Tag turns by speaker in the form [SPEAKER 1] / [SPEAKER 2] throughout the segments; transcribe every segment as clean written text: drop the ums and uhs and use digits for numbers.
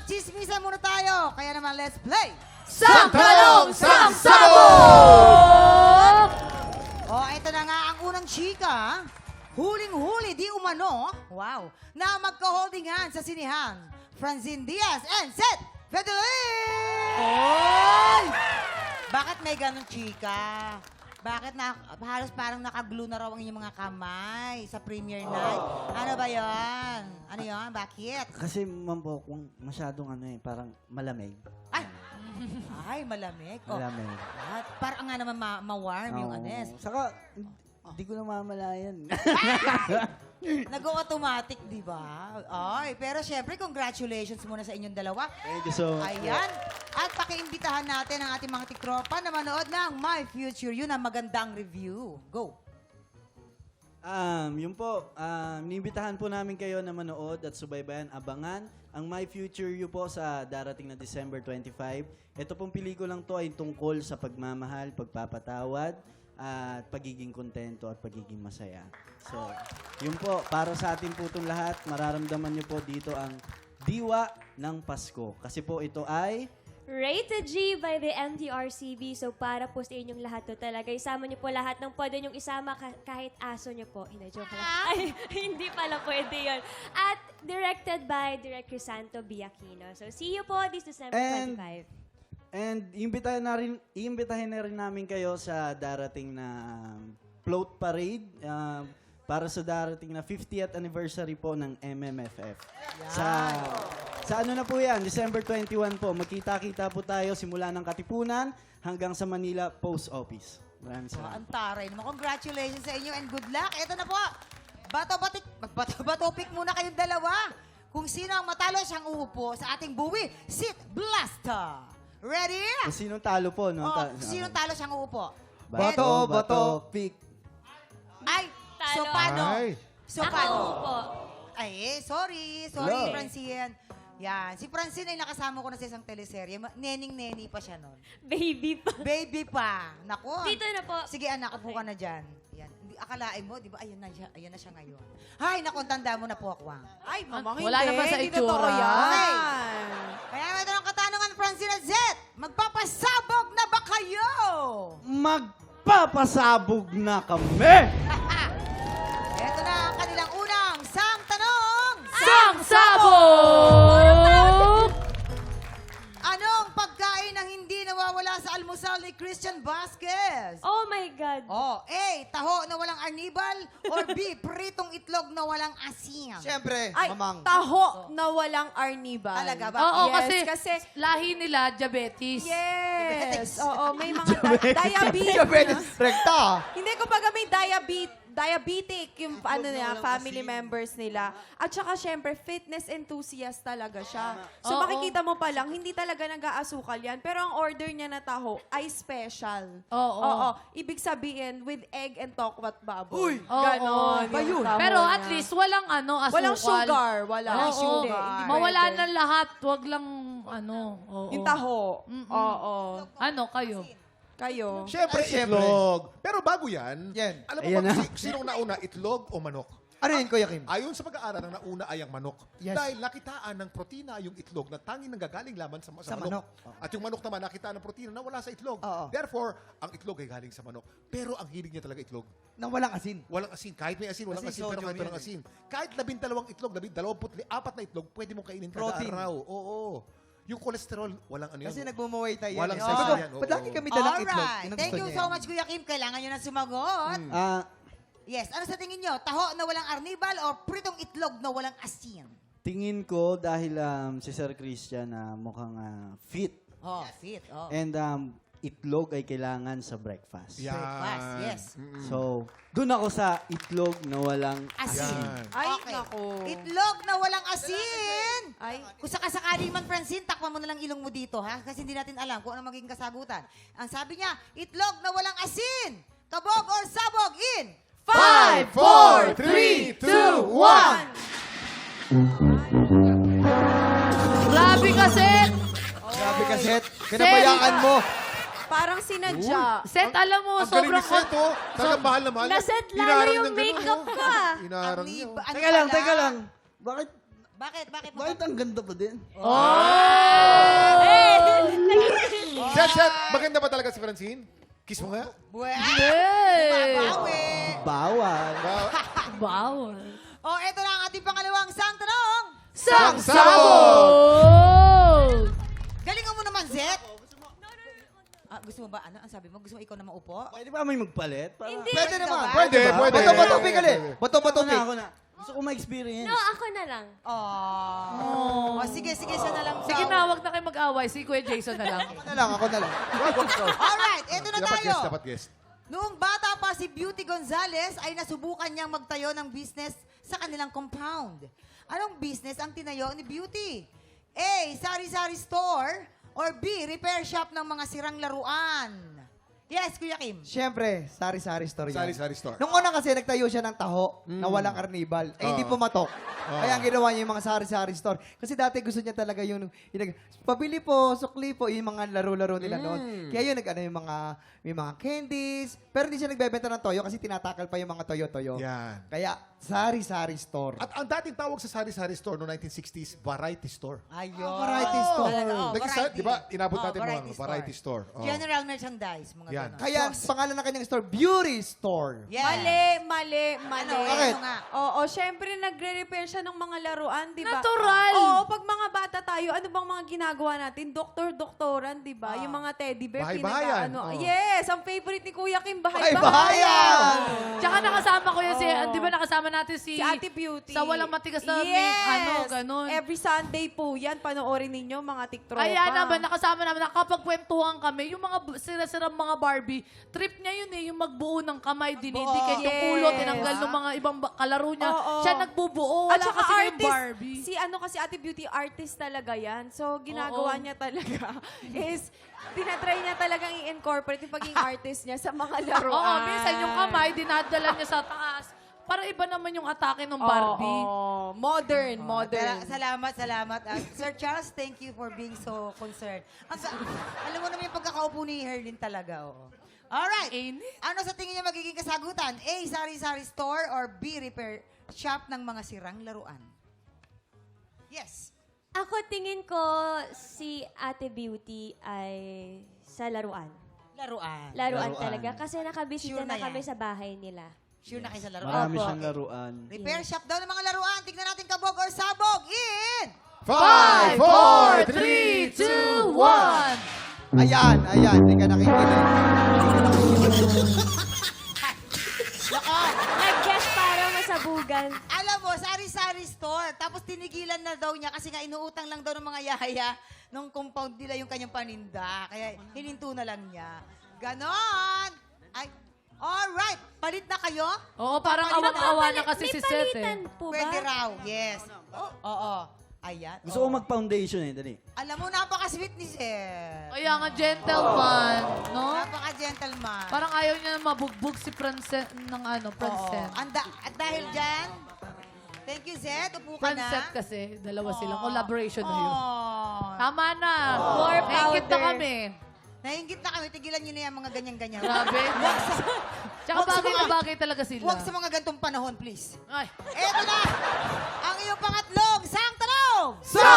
[SPEAKER 1] Magchismisan muna tayo. Kaya naman, let's play.
[SPEAKER 2] Sang Tanong, Sang Sabog!
[SPEAKER 1] Oh, ito na nga ang unang chika. Huling-huli, di umano. Wow. Na magka-holding hands sa sinihan. Francine Diaz and Seth Federer!
[SPEAKER 2] Oy!
[SPEAKER 1] Bakit may ganong chika? Bakit na, halos parang nakaglue na raw ang inyong mga kamay sa premiere night? Ano ba yon? Ano yon? Bakit?
[SPEAKER 3] Kasi, ma'am po, kung masyadong parang malamig.
[SPEAKER 1] Ay, malamig. Oh,
[SPEAKER 3] Malamig.
[SPEAKER 1] at parang nga naman ma-warm yung
[SPEAKER 3] Oo.
[SPEAKER 1] anes.
[SPEAKER 3] Saka, hindi ko namamalayan.
[SPEAKER 1] Nag-automatic, di ba? Ay, pero syempre, congratulations muna sa inyong dalawa.
[SPEAKER 3] Thank you so much.
[SPEAKER 1] Ayan. At pakiimbitahan natin ang ating mga tiktropa na manood ng My Future You na magandang review. Go!
[SPEAKER 3] Yun po, niimbitahan po namin kayo na manood at subaybayan, abangan ang My Future You po sa darating na December 25. Ito pong pelikulang to ay tungkol sa pagmamahal, pagpapatawad, at pagiging kontento at pagiging masaya. So, yun po, para sa atin po itong lahat, mararamdaman nyo po dito ang diwa ng Pasko. Kasi po ito ay...
[SPEAKER 2] Rated G by the MTRCB. So para po sa inyong lahat to talaga. Isama niyo po lahat ng pwede niyong isama kahit aso niyo po. Hindi, joke lang. Ay, hindi pala pwede yun. At directed by Direk Crisanto Biakino. So see you po this December 25.
[SPEAKER 3] And iimbitahin na rin namin kayo sa darating na float parade para sa darating na 50th anniversary po ng MMFF. Sa ano na po yan, December 21 po, magkita-kita po tayo simula ng Katipunan hanggang sa Manila Post Office. Maraming
[SPEAKER 1] Oh,
[SPEAKER 3] salamat.
[SPEAKER 1] ang taray naman. Congratulations sa inyo and good luck. Ito na po. Bato pick muna kayong dalawa. Kung sino ang matalo, siyang uupo sa ating buwi. Sit Blaster. Ready?
[SPEAKER 3] Kung sinong talo po, no?
[SPEAKER 1] Oh, sinong talo, siyang uupo.
[SPEAKER 3] Bato, pick.
[SPEAKER 1] Ay, so
[SPEAKER 2] Talo.
[SPEAKER 1] paano?
[SPEAKER 4] Ay.
[SPEAKER 1] So paano?
[SPEAKER 2] po.
[SPEAKER 1] Ay, sorry,
[SPEAKER 3] Hello.
[SPEAKER 1] Francine. Yan, si Francine ay nakasama ko na sa isang teleserye. Nening-neni pa siya nun.
[SPEAKER 2] Baby pa.
[SPEAKER 1] Baby pa. Naku.
[SPEAKER 2] Dito na po.
[SPEAKER 1] Sige anak, upo ka na dyan. Yan. Hindi, akalain mo, di ba, ayan na siya ngayon. Hay, naku, tanda mo na po ako.
[SPEAKER 5] Ay, mamang
[SPEAKER 6] Wala
[SPEAKER 5] hindi.
[SPEAKER 6] naman sa
[SPEAKER 5] Hindi
[SPEAKER 6] itsura.
[SPEAKER 5] totoo yan.
[SPEAKER 1] Okay. Kaya ito ng katanungan, Francine at Zed. Magpapasabog na ba kayo?
[SPEAKER 3] Magpapasabog na kami!
[SPEAKER 1] Ito na ang kanilang unang sang tanong.
[SPEAKER 6] Sang Sabog!
[SPEAKER 1] Anong pagkain ang hindi nawawala sa almusal ni Christian Vasquez?
[SPEAKER 2] Oh my God.
[SPEAKER 1] Oh, A, taho na walang arnibal or B, pritong itlog na walang asin.
[SPEAKER 4] Siyempre,
[SPEAKER 5] Ay,
[SPEAKER 4] mamang.
[SPEAKER 5] taho na walang arnibal.
[SPEAKER 1] Talaga ba?
[SPEAKER 6] Oo,
[SPEAKER 5] Yes,
[SPEAKER 6] kasi lahi nila, diabetes.
[SPEAKER 5] Yes. Oo, may mga diabetes.
[SPEAKER 4] Diabetes. Rekta.
[SPEAKER 5] Hindi ko pag may diabetic yung family members nila. At saka syempre, fitness enthusiast talaga siya. So
[SPEAKER 6] Oo.
[SPEAKER 5] makikita mo pa lang, hindi talaga nag-aasukal yan. Pero ang order niya na taho ay special.
[SPEAKER 6] Oo.
[SPEAKER 5] Oo. Ibig sabihin, with egg and tokwat baboy.
[SPEAKER 6] Oo.
[SPEAKER 5] Ganon.
[SPEAKER 6] Ba
[SPEAKER 5] yung
[SPEAKER 6] yun?
[SPEAKER 5] taho
[SPEAKER 6] Pero at
[SPEAKER 5] niya.
[SPEAKER 6] least walang asukal.
[SPEAKER 5] Walang sugar. Wala.
[SPEAKER 6] Oo.
[SPEAKER 5] Hindi, hindi
[SPEAKER 6] Mawala
[SPEAKER 5] pwede.
[SPEAKER 6] na lahat. Wag lang oo.
[SPEAKER 5] Yung taho. Oo.
[SPEAKER 6] Ano kayo?
[SPEAKER 5] Kayo.
[SPEAKER 4] Siyempre,
[SPEAKER 7] Siyempre.
[SPEAKER 4] itlog. Pero bago yan,
[SPEAKER 7] Yan.
[SPEAKER 4] alam mo
[SPEAKER 3] Ayan
[SPEAKER 4] ba
[SPEAKER 3] na.
[SPEAKER 4] sinong nauna, itlog o manok?
[SPEAKER 7] Ano yun, Kuya Kim?
[SPEAKER 4] Ayon sa pag-aaral, ang nauna ay ang manok.
[SPEAKER 7] Yes.
[SPEAKER 4] Dahil nakitaan ng protina yung itlog na tanging nanggagaling lamang sa
[SPEAKER 7] Sa
[SPEAKER 4] manok.
[SPEAKER 7] manok.
[SPEAKER 4] At yung manok naman nakitaan ng protina na wala sa itlog.
[SPEAKER 7] Oo.
[SPEAKER 4] Therefore, ang itlog ay galing sa manok. Pero ang hilig niya talaga itlog.
[SPEAKER 7] Nang walang asin.
[SPEAKER 4] Walang asin. Kahit may asin, walang
[SPEAKER 7] Kasi
[SPEAKER 4] asin. Pero
[SPEAKER 7] sodium
[SPEAKER 4] kahit walang
[SPEAKER 7] yun
[SPEAKER 4] asin. Kahit 12 itlog, 24 na itlog, pwede mong kainin kada
[SPEAKER 7] Protein.
[SPEAKER 4] araw. Oo. Yung cholesterol, walang ano
[SPEAKER 7] Kasi
[SPEAKER 4] yun.
[SPEAKER 7] nagmumuhay tayo.
[SPEAKER 4] Walang
[SPEAKER 7] yan.
[SPEAKER 4] size
[SPEAKER 7] Sabi ko,
[SPEAKER 4] yan, oo.
[SPEAKER 7] ba't lagi kami dalang itlog?
[SPEAKER 1] Alright.
[SPEAKER 7] Yun ang
[SPEAKER 1] Thank
[SPEAKER 7] gusto
[SPEAKER 1] you
[SPEAKER 7] niya
[SPEAKER 1] so
[SPEAKER 7] eh.
[SPEAKER 1] much, Kuya Kim. Kailangan nyo na sumagot. Yes. Ano sa tingin nyo? Taho na walang arnibal o pritong itlog na walang asin?
[SPEAKER 3] Tingin ko dahil si Sir Christian mukhang fit.
[SPEAKER 1] Oh, fit. Oh.
[SPEAKER 3] And itlog ay kailangan sa breakfast.
[SPEAKER 4] Yan.
[SPEAKER 1] Breakfast, yes.
[SPEAKER 3] So, dun ako sa itlog na walang
[SPEAKER 1] Asin.
[SPEAKER 4] Yan.
[SPEAKER 5] Ay,
[SPEAKER 1] Okay.
[SPEAKER 5] naku.
[SPEAKER 1] Itlog na walang asin.
[SPEAKER 5] Ay,
[SPEAKER 1] Kung sakasakaling man, Francine, takpan mo na lang ilong mo dito, ha? Kasi hindi natin alam kung ano magiging kasagutan. Ang sabi niya, itlog na walang asin. Kabog or sabog in
[SPEAKER 6] 5, 4, 3, 2, 1. Grabe kasi.
[SPEAKER 7] Grabe ka, Seth. Pinabayaan mo.
[SPEAKER 5] parang sinadya.
[SPEAKER 6] Set, alam mo,
[SPEAKER 4] Ang galing
[SPEAKER 6] sobrang...
[SPEAKER 4] ni Seth, oh. Talagang mahal na mahal.
[SPEAKER 2] Naset lalo
[SPEAKER 4] Hinarang
[SPEAKER 2] yung
[SPEAKER 4] ng ganun,
[SPEAKER 2] makeup
[SPEAKER 4] oh.
[SPEAKER 2] ka.
[SPEAKER 4] Hinarang niya.
[SPEAKER 1] Ano
[SPEAKER 3] Teka lang,
[SPEAKER 1] pala?
[SPEAKER 3] teka lang. Bakit
[SPEAKER 1] Bakit? Bakit?
[SPEAKER 3] Bakit ang ganda pa din?
[SPEAKER 4] Set. Maganda ba talaga si Francine? Kiss mo nga.
[SPEAKER 6] Hey!
[SPEAKER 1] Babawi.
[SPEAKER 3] Bawal.
[SPEAKER 6] Bawal.
[SPEAKER 1] Oh, eto na ang ating pangalawang sang tanong.
[SPEAKER 6] Sabog!
[SPEAKER 1] Galingan mo naman, Zet. Gusto mo ba? Ano? Ang sabi mo? Gusto mo ikaw na maupo?
[SPEAKER 3] Pwede ba may magpalit? Para...
[SPEAKER 2] Hindi.
[SPEAKER 7] Pwede naman.
[SPEAKER 4] Pwede.
[SPEAKER 7] Bato-bato pigali. Bato-bato
[SPEAKER 3] Ako na. Gusto ko ma-experience.
[SPEAKER 2] No, ako na lang.
[SPEAKER 1] Oh. Sige, siya na lang.
[SPEAKER 6] Sige
[SPEAKER 1] daw.
[SPEAKER 6] na, wag na kayo mag-away. Si Kuya Jason na lang.
[SPEAKER 7] Ako na lang.
[SPEAKER 1] Alright, eto na
[SPEAKER 4] Dapat
[SPEAKER 1] tayo.
[SPEAKER 4] guest, dapat guest.
[SPEAKER 1] Noong bata pa si Beauty Gonzales ay nasubukan niyang magtayo ng business sa kanilang compound. Anong business ang tinayo ni Beauty? A. Sari-sari store or B. Repair shop ng mga sirang laruan. Yes, Kuya Kim.
[SPEAKER 7] Siyempre, sari-sari store yan.
[SPEAKER 4] Sari-sari store.
[SPEAKER 7] Nung una kasi, nagtayo siya ng taho na walang karnibal. Hindi pumatok. Kaya ang ginawa niya yung mga sari-sari store. Kasi dati gusto niya talaga pabili po, sukli po, yung mga laro-laro nila noon. Kaya yun, may mga candies. Pero hindi siya nagbebenta ng toyo kasi tinatakal pa yung mga toyo-toyo.
[SPEAKER 4] Yan.
[SPEAKER 7] Kaya, sari-sari store.
[SPEAKER 4] At ang dating tawag sa sari-sari store noong 1960s, variety store.
[SPEAKER 1] Ayun.
[SPEAKER 7] Variety store.
[SPEAKER 1] Talaga,
[SPEAKER 4] Nag-start, di ba? Inabot natin mga
[SPEAKER 1] variety
[SPEAKER 4] variety store. Oh.
[SPEAKER 1] General merchandise, mga
[SPEAKER 4] Yan.
[SPEAKER 1] ganon.
[SPEAKER 7] Kaya, pangalan ng kanyang store, Beauty Store.
[SPEAKER 1] Yes.
[SPEAKER 5] Mali.
[SPEAKER 7] Bakit?
[SPEAKER 1] Ano nga?
[SPEAKER 5] Oo, syempre nagre-repair siya ng mga laruan, di ba?
[SPEAKER 6] Natural.
[SPEAKER 5] Oo, pag mga bata tayo, ano bang mga ginagawa natin? Doktor-doktoran, di ba? Yung mga teddy bear,
[SPEAKER 4] Bahay-bahayan.
[SPEAKER 5] pinag-ano.
[SPEAKER 4] Oo.
[SPEAKER 5] Yes, ang favorite ni Kuya Kim,
[SPEAKER 7] Bahayan!
[SPEAKER 5] bahay-bahayan.
[SPEAKER 6] Tsaka nakasama ko yan si, di ba nakasama natin si...
[SPEAKER 5] Si Ate Beauty.
[SPEAKER 6] Sa walang matigas na ganun.
[SPEAKER 5] Every Sunday po yan, panoorin ninyo, mga tiktropa.
[SPEAKER 6] Ayan naman, nakasama namin, nakapagkwentuhan kami, yung mga sira-sirang mga Barbie, trip niya yun yung magbuo ng kamay, dinidikit yung
[SPEAKER 5] Yes.
[SPEAKER 6] ulo, tinanggal ng mga ibang kalaro niya.
[SPEAKER 5] Oo.
[SPEAKER 6] Siya nagbubuo,
[SPEAKER 5] At
[SPEAKER 6] wala
[SPEAKER 5] saka
[SPEAKER 6] kasi yung
[SPEAKER 5] artist,
[SPEAKER 6] Barbie.
[SPEAKER 5] kasi Ate Beauty, artist talaga yan. So, ginagawa
[SPEAKER 6] Oo.
[SPEAKER 5] niya talaga is, tinatry niya talagang i-incorporate yung pagiging artist niya sa mga laruan.
[SPEAKER 6] Oo, minsan yung kamay, dinadala niya sa taas. Para iba naman yung atake ng Barbie.
[SPEAKER 5] Oo. Modern.
[SPEAKER 1] Salamat. Sir Charles, thank you for being so concerned. Alam mo naman yung pagkakaupo ni Herlin talaga. Oo. Alright.
[SPEAKER 6] Init.
[SPEAKER 1] Ano sa tingin niyo magiging kasagutan? A. Sari-sari store or B. Repair shop ng mga sirang laruan? Yes.
[SPEAKER 2] Ako tingin ko si Ate Beauty ay sa laruan.
[SPEAKER 1] Laruan.
[SPEAKER 2] Laruan
[SPEAKER 3] Laruan.
[SPEAKER 2] talaga. Kasi nakabisita
[SPEAKER 1] Sure na
[SPEAKER 2] na kami
[SPEAKER 1] yan.
[SPEAKER 2] sa bahay nila.
[SPEAKER 1] Sure na kayo sa laruan.
[SPEAKER 3] Marami
[SPEAKER 2] Opo.
[SPEAKER 3] siyang laruan.
[SPEAKER 1] Repair shop daw ng mga laruan. Tignan natin kabog or sabog. In!
[SPEAKER 4] 5, 4, 3, 2, 1.
[SPEAKER 7] Ayan. Hindi ka nakikinig.
[SPEAKER 2] Nag-guess para masabugan.
[SPEAKER 1] Alam mo, sari-sari store. Tapos tinigilan na daw niya kasi nga inuutang lang daw ng mga yaya nung compound nila yung kanyang paninda. Kaya hininto na lang niya. Ganon! Ay, alright. Palit na kayo?
[SPEAKER 6] Oo, parang awang-awa na kasi
[SPEAKER 2] May
[SPEAKER 6] si Seth
[SPEAKER 2] palitan
[SPEAKER 6] eh.
[SPEAKER 2] po ba?
[SPEAKER 1] Pwede raw. Yes. Oo. Ayan.
[SPEAKER 3] Gusto ko mag-foundation dali.
[SPEAKER 1] Alam mo, napaka-sweet ni Sir.
[SPEAKER 6] Kaya nga, gentleman, no?
[SPEAKER 1] Napaka-gentleman.
[SPEAKER 6] Parang ayaw niya na mabugbog si Francet ng Francet.
[SPEAKER 1] At dahil dyan, thank you, Zed. Upo ka na.
[SPEAKER 6] Francet kasi, dalawa silang collaboration na yun.
[SPEAKER 1] Oh.
[SPEAKER 6] Tama na.
[SPEAKER 2] More
[SPEAKER 6] Naingit na
[SPEAKER 2] powder.
[SPEAKER 6] kami.
[SPEAKER 1] Nainggit na kami. Tigilan nyo na yung mga ganyan-ganyan.
[SPEAKER 6] Grabe. Tsaka
[SPEAKER 1] Wag sa
[SPEAKER 6] bagay na
[SPEAKER 1] mga-
[SPEAKER 6] bagay talaga sila.
[SPEAKER 1] Huwag sa mga gantong panahon, please.
[SPEAKER 6] Ay.
[SPEAKER 1] Eto na! Ang iyong pangatlong sang tanong!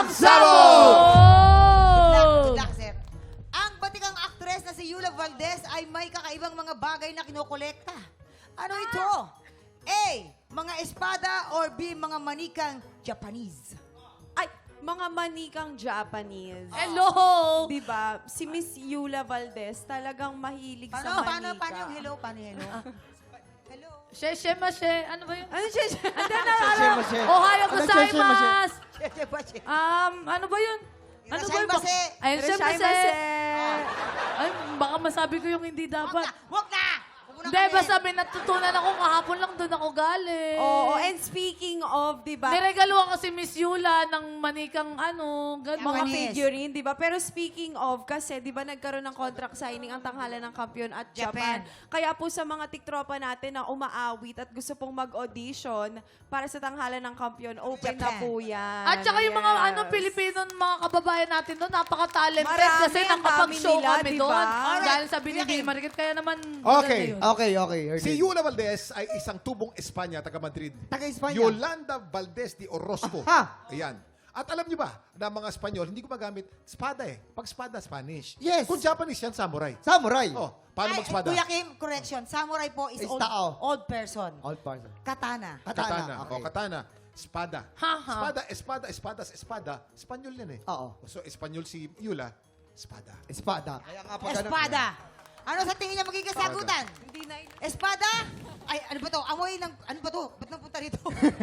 [SPEAKER 6] Oh!
[SPEAKER 1] Good luck, sir. Ang batikang aktres na si Yula Valdez ay may kakaibang mga bagay na kinokolekta. Ano ito? A. Mga espada or B. Mga manikang Japanese?
[SPEAKER 5] Ay, mga manikang Japanese.
[SPEAKER 6] Hello!
[SPEAKER 5] Diba? Si Miss Yula Valdez talagang mahilig sa
[SPEAKER 1] Paano
[SPEAKER 5] manika.
[SPEAKER 1] yung hello? Paano yung hello? Hello?
[SPEAKER 6] Sheshe mashe. Ano ba yun?
[SPEAKER 5] Ano siya?
[SPEAKER 7] Mashe.
[SPEAKER 6] Ohio
[SPEAKER 7] Ano, sheshe,
[SPEAKER 6] gozaimasu!
[SPEAKER 1] Cheche ba, cheche?
[SPEAKER 6] Ano ba yun? Ano ba yun?
[SPEAKER 1] Irashaimase.
[SPEAKER 6] Ayun siya
[SPEAKER 5] Irashaimase.
[SPEAKER 6] Ay, baka masabi ko yung hindi dapat.
[SPEAKER 1] Huwag na! Huwag
[SPEAKER 6] Hindi, basta may natutunan ako kahapon lang doon ako galing.
[SPEAKER 5] Oo, and speaking of, diba?
[SPEAKER 6] Niregaluhan kasi Miss Yula ng manikang
[SPEAKER 5] Mga
[SPEAKER 1] Japanese.
[SPEAKER 5] figurine, di ba? Pero speaking of, kasi di ba nagkaroon ng contract signing ang tanghalan ng kampiyon at Japan. Kaya po sa mga tiktropa natin na umaawit at gusto pong mag-audition para sa tanghalan ng kampiyon, open na
[SPEAKER 1] Japan.
[SPEAKER 5] po yan.
[SPEAKER 6] At saka yung mga
[SPEAKER 5] Yes.
[SPEAKER 6] Pilipino, mga kababayan natin doon, napaka-talented
[SPEAKER 5] Marami,
[SPEAKER 6] kasi
[SPEAKER 5] ang
[SPEAKER 6] nakapag-show
[SPEAKER 5] dami nila,
[SPEAKER 6] kami
[SPEAKER 5] diba?
[SPEAKER 6] doon.
[SPEAKER 1] Alright.
[SPEAKER 6] Dahil sa binibigay market, kaya naman
[SPEAKER 4] Okay.
[SPEAKER 6] maganda yun.
[SPEAKER 7] Okay. Ernie.
[SPEAKER 4] Si Yula Valdez ay isang tubong Espanya, taga Madrid.
[SPEAKER 7] Taga-Espanya.
[SPEAKER 4] Yolanda Valdez de Orozco.
[SPEAKER 7] Aha.
[SPEAKER 4] Ayan. At alam niyo ba, na mga Espanyol, hindi gumagamit espada eh. Pag espada, Spanish.
[SPEAKER 7] Yes.
[SPEAKER 4] Kung Japanese yan, samurai.
[SPEAKER 7] Samurai.
[SPEAKER 4] Oh, paano
[SPEAKER 1] Ay,
[SPEAKER 4] mag-espada?
[SPEAKER 1] Kuya Kim, correction. Samurai po is
[SPEAKER 7] Is
[SPEAKER 1] old,
[SPEAKER 7] tao.
[SPEAKER 1] old person.
[SPEAKER 7] Old person.
[SPEAKER 1] Katana.
[SPEAKER 4] Katana.
[SPEAKER 7] Okay.
[SPEAKER 4] O, katana. Espada. Espada. Espanyol yan eh.
[SPEAKER 7] Oo.
[SPEAKER 4] So, Espanyol si Yula, espada.
[SPEAKER 7] Espada. Kaya nga pag
[SPEAKER 1] Espada. Ano sa tingin niya magiging kasagutan?
[SPEAKER 5] Hindi na
[SPEAKER 1] Espada? Ay, ano ba to? Amoy ng... Ano ba to? Ba't napunta rito?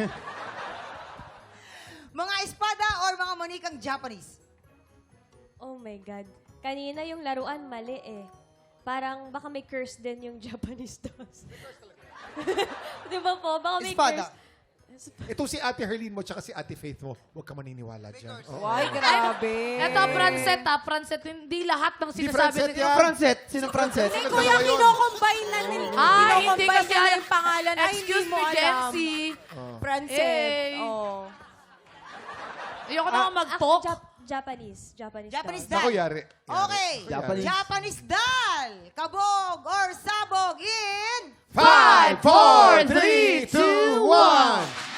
[SPEAKER 1] Mga espada or mga manikang Japanese?
[SPEAKER 2] Oh my God. Kanina yung laruan, mali eh. Parang baka may curse din yung Japanese dolls. Di ba po? Baka may
[SPEAKER 7] Espada.
[SPEAKER 2] curse.
[SPEAKER 4] Ito si Ate Herlene mo tsaka si Ate Faith mo. Huwag ka maniniwala dyan. Oo.
[SPEAKER 5] Ay, grabe.
[SPEAKER 6] Eto, Francet, hindi lahat ng
[SPEAKER 4] Di
[SPEAKER 6] sinasabi
[SPEAKER 4] Francet
[SPEAKER 6] nila.
[SPEAKER 4] yan.
[SPEAKER 7] Francet. Sino Francet?
[SPEAKER 5] Hindi, kuya, kino-combine na nila.
[SPEAKER 6] Ay, hindi
[SPEAKER 5] Kino-combine
[SPEAKER 6] kasi
[SPEAKER 5] na yung pangalan. Ay, hindi
[SPEAKER 6] Excuse
[SPEAKER 5] mo
[SPEAKER 6] me,
[SPEAKER 5] alam.
[SPEAKER 6] Jency.
[SPEAKER 5] Francet.
[SPEAKER 6] Eh.
[SPEAKER 5] Oh.
[SPEAKER 6] Ayoko na nga mag-talk.
[SPEAKER 2] Japanese
[SPEAKER 1] Japanese
[SPEAKER 2] doll.
[SPEAKER 1] doll.
[SPEAKER 4] Naku, yari.
[SPEAKER 1] Okay.
[SPEAKER 3] Japanese.
[SPEAKER 1] Japanese doll. Kabog or sabog in...
[SPEAKER 4] 5, 4, 3, 2, 1.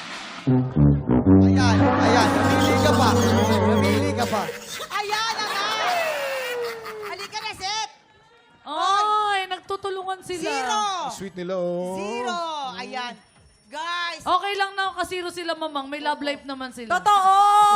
[SPEAKER 7] Ayan. Namili ka pa.
[SPEAKER 1] Ayan na nga. Halika na, Seth.
[SPEAKER 6] Ay, nagtutulungan sila.
[SPEAKER 1] Zero.
[SPEAKER 4] Sweet nila, oh.
[SPEAKER 1] Zero. Ayan. Guys.
[SPEAKER 6] Okay lang na kasiro sila, mamang. May love life naman sila.
[SPEAKER 5] Totoo!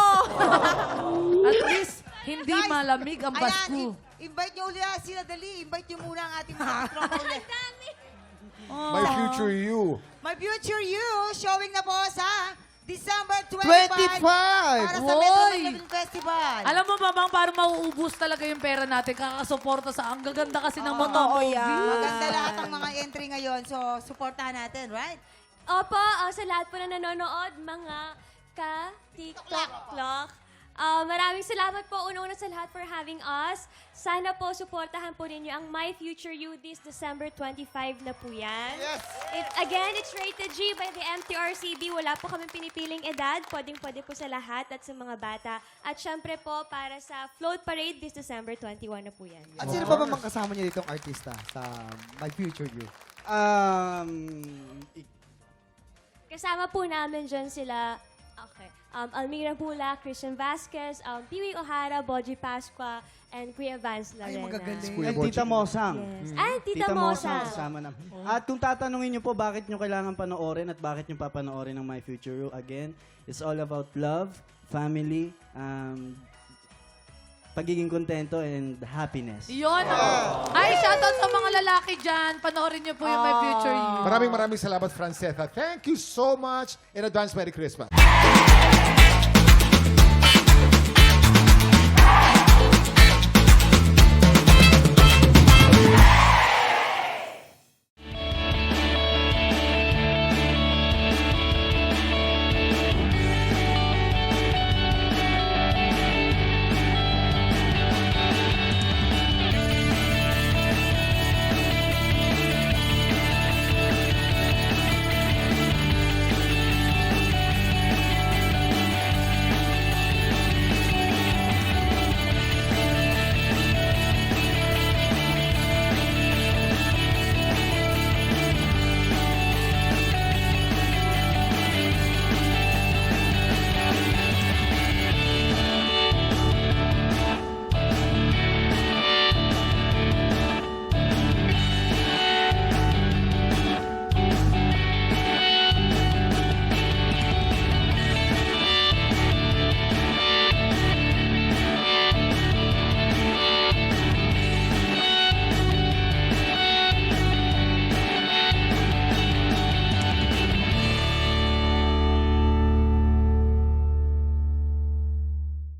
[SPEAKER 6] At least, hindi
[SPEAKER 1] Guys,
[SPEAKER 6] malamig ang Basku.
[SPEAKER 1] Invite nyo ulit sila dali. Invite nyo muna ang ating mga tropa ulit.
[SPEAKER 4] My future you.
[SPEAKER 1] My Future You, showing na po sa December 25.
[SPEAKER 7] 25.
[SPEAKER 1] Para sa
[SPEAKER 6] Woy!
[SPEAKER 1] Metro Manila Festival.
[SPEAKER 6] Alam mo, mamang, parang mauubos talaga yung pera natin. Kakasuporta sa ang gaganda kasi ng mga
[SPEAKER 5] Oo,
[SPEAKER 6] movie.
[SPEAKER 5] yan.
[SPEAKER 1] Maganda lahat ng mga entry ngayon. So, supportahan natin, right?
[SPEAKER 2] Opo, sa lahat po na nanonood, mga ka-TikTok-clock. Maraming salamat po una-una sa lahat for having us. Sana po supportahan po ninyo ang My Future You this December 25 na po yan.
[SPEAKER 4] Yes.
[SPEAKER 2] Again, it's rated G by the MTRCB. Wala po kami pinipiling edad. Pwedeng-pwede po sa lahat at sa mga bata. At syempre po, para sa Float Parade this December 21 na po yan.
[SPEAKER 7] At sino pa ba mga kasama niyo ditong artista sa My Future You?
[SPEAKER 2] Kasama po namin dyan sila, Almira Bula, Christian Vasquez, Piwi O'Hara, Boji Pasqua, and Kuya Vance
[SPEAKER 7] Ay,
[SPEAKER 2] Larena.
[SPEAKER 7] magagaling.
[SPEAKER 3] And Tita Mosang.
[SPEAKER 2] Yes. Ay, Tita Mosa.
[SPEAKER 3] kasama na. At kung tatanungin niyo po bakit niyo kailangan panoorin at bakit niyo papanoorin ng My Future You, again, it's all about love, family, pagiging kontento, and happiness.
[SPEAKER 6] Yun. Ay, shoutout sa mga lalaki dyan. Panoorin niyo po yung My Future You.
[SPEAKER 4] Maraming salamat, Francesca. Thank you so much. In advance, Merry Christmas.